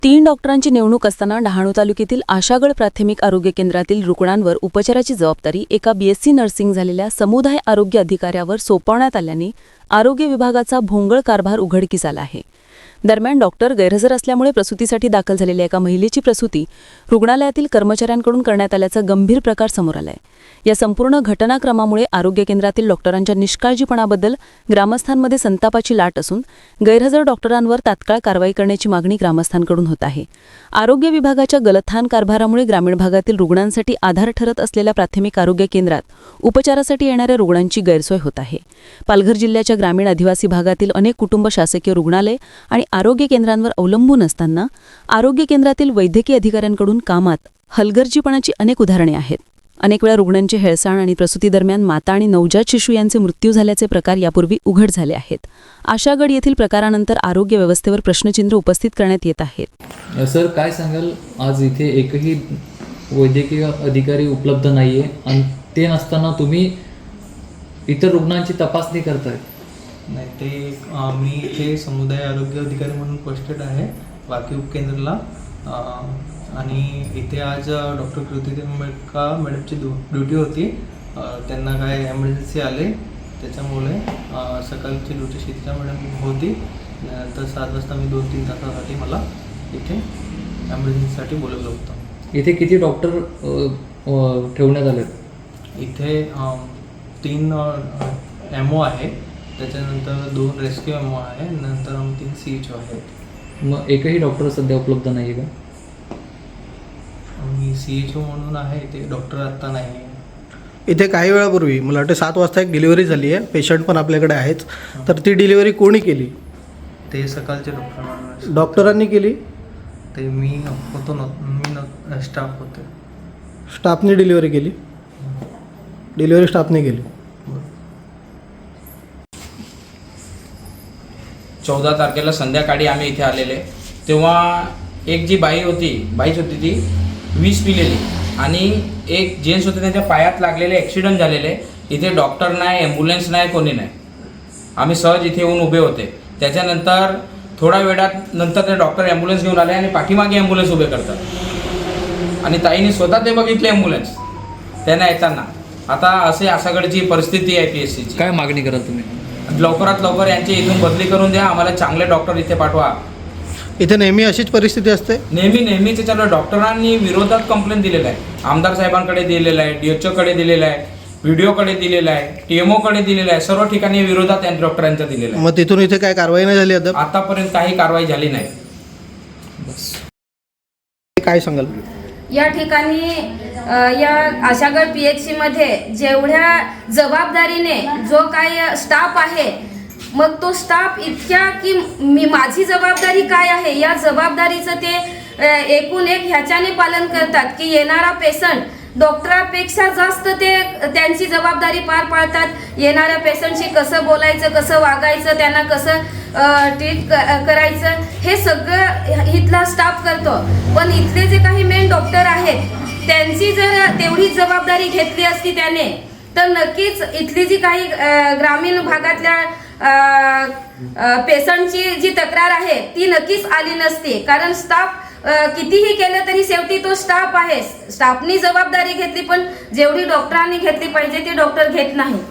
3 डॉक्टरांची नेमणूक असताना डहाणू तालुक्यातील आशागड प्राथमिक आरोग्य केंद्रातील रुग्णांवर उपचाराची जबाबदारी एका बीएससी नर्सिंग झालेल्या समुदाय आरोग्य अधिकाऱ्यावर सोपवण्यात आल्याने आरोग्य विभागाचा भोंगळ कारभार उघडकीस आला आहे। दरम्यान डॉक्टर गैरहजर असल्यामुळे प्रसूतीसाठी दाखल झालेल्या एका महिलेची प्रसूती रुग्णालयातील कर्मचाऱ्यांकडून करण्यात आल्याचा गंभीर प्रकार समोर आलाय। या संपूर्ण घटनाक्रमामुळे आरोग्य केंद्रातील डॉक्टरांच्या निष्काळजीपणाबद्दल ग्रामस्थांमध्ये संतापाची लाट असून गैरहजर डॉक्टरांवर तात्काळ कारवाई करण्याची मागणी ग्रामस्थांकडून होत आहे। आरोग्य विभागाच्या गलथान कारभारामुळे ग्रामीण भागातील रुग्णांसाठी आधार ठरत असलेल्या प्राथमिक आरोग्य केंद्रात उपचारासाठी येणाऱ्या रुग्णांची गैरसोय होत आहे। पालघर जिल्ह्याच्या ग्रामीण आदिवासी भागातील अनेक कुटुंब शासकीय रुग्णालय आणि आरोग्य केंद्रांवर अवलंबून असताना आरोग्य केंद्रातील वैद्यकीय अधिकाऱ्यांकडून कामात हलगर्जीपणाची अनेक उदाहरणे आहेत। अनेक वेळा रुग्णांचे हेळसाण आणि प्रसूती दरम्यान माता आणि नवजात शिशु यांचे मृत्यू झाल्याचे प्रकार यापूर्वी उघड झाले आहेत। आशागड येथील प्रकारानंतर आरोग्य व्यवस्थेवर प्रश्नचिन्ह उपस्थित करण्यात येत आहेत। सर, काय सांगाल, आज इथे एकही वैद्यकीय अधिकारी उपलब्ध नाहीये आणि ते नसताना तुम्ही इतर रुग्णांची तपासणी करताय? नाही, ते मी इथे समुदाय आरोग्य अधिकारी म्हणून पोस्टेड आहे वाकी उपकेंद्राला, आणि इथे आज डॉक्टर कृती मॅडमची ड्युटी होती। त्यांना काय एमर्जन्सी आले, त्याच्यामुळे सकाळची ड्युटी शीतला मॅडम होती, तर 7 वाजता मी 2-3 तासासाठी मला इथे एमर्जन्सीसाठी बोलवलं होतं। इथे किती डॉक्टर ठेवण्यात आले? इथे 3 एमओ आहे, त्याच्यानंतर 2 रेस्क्यू एमओ आहे, नंतर 3 CHO आहेत। मग एकही डॉक्टर सध्या उपलब्ध नाही का? मी CHO म्हणून आहे, ते डॉक्टर आत्ता नाही आहे इथे। काही वेळापूर्वी मला वाटतं 7 वाजता एक डिलिव्हरी झाली आहे, पेशंट पण आपल्याकडे आहेच, तर ती डिलिव्हरी कोणी केली? ते सकाळचे डॉक्टरांनी केली? ते मी होतो मी स्टाफ होते। स्टाफने डिलिव्हरी केली? डिलिव्हरी स्टाफने केली? 14 तारखेला संध्याकाळी आम्ही इथे आलेले, तेव्हा एक जी बाईच होती ती 20 पिलेली आणि एक जेंट्स होते, त्यांच्या पायात लागलेले ॲक्सिडेंट झालेले। इथे डॉक्टर नाही, ॲम्ब्युलन्स नाही, कोणी नाही। आम्ही सहज इथे येऊन उभे होते। त्याच्यानंतर थोड्या वेळात नंतर ते डॉक्टर ॲम्ब्युलन्स घेऊन आले आणि पाठीमागे ॲम्ब्युलन्स उभे करतात आणि ताईने स्वतः ते बघितले ॲम्ब्युलन्स त्यांना येताना। आता असे आशागडची परिस्थिती आहे PSCची। काय मागणी कराल तुम्ही? लवकरात लवकर यांची इथून बदली करून द्या, आम्हाला चांगले डॉक्टर इथे पाठवा। इथे नेहमी अशीच परिस्थिती असते? नेहमीचे चालू। डॉक्टरांनी विरोधात कंप्लेंट दिलेला आहे, आमदार साहेबांकडे दिलेला आहे, DHO कडे दिलेला आहे, VDO कडे दिलेला आहे, TMO कडे दिलेला आहे, सर्व ठिकाणी विरोधात डॉक्टरांचा दिलेला आहे। मग तिथून इथे काय कारवाई नाही झाली आतापर्यंत काही कारवाई झाली नाही। बस काय सांगाल? या ठिकाणी या आशागड PHC मध्ये जेवढ्या जबाबदारीने जो काही स्टाफ आहे, मग तो स्टाफ इतक्या की माझी जबाबदारी काय आहे या जबाबदारीचं ते एकूण एक ह्याच्याने पालन करतात की येणारा पेशंट डॉक्टरापेक्षा जास्त ते त्यांची जबाबदारी पार पाडतात। येणाऱ्या पेशंटशी कसं बोलायचं, कसं वागायचं, त्यांना कसं ट्रीट करायचं, हे सगळं इथला स्टाफ करतो। पण इथले जे काही मेन डॉक्टर आहेत, त्यांची जर तेवढीच जबाबदारी घेतली असती त्याने, तर नक्कीच इथली जी काही ग्रामीण भागातल्या पेशंटची जी तक्रार आहे ती नक्कीच आली नसती। कारण स्टाफ कितीही केलं तरी शेवटी तो स्टाफ आहे, स्टाफनी जबाबदारी घेतली, पण जेवढी डॉक्टरांनी घेतली पाहिजे ती डॉक्टर घेत नाही।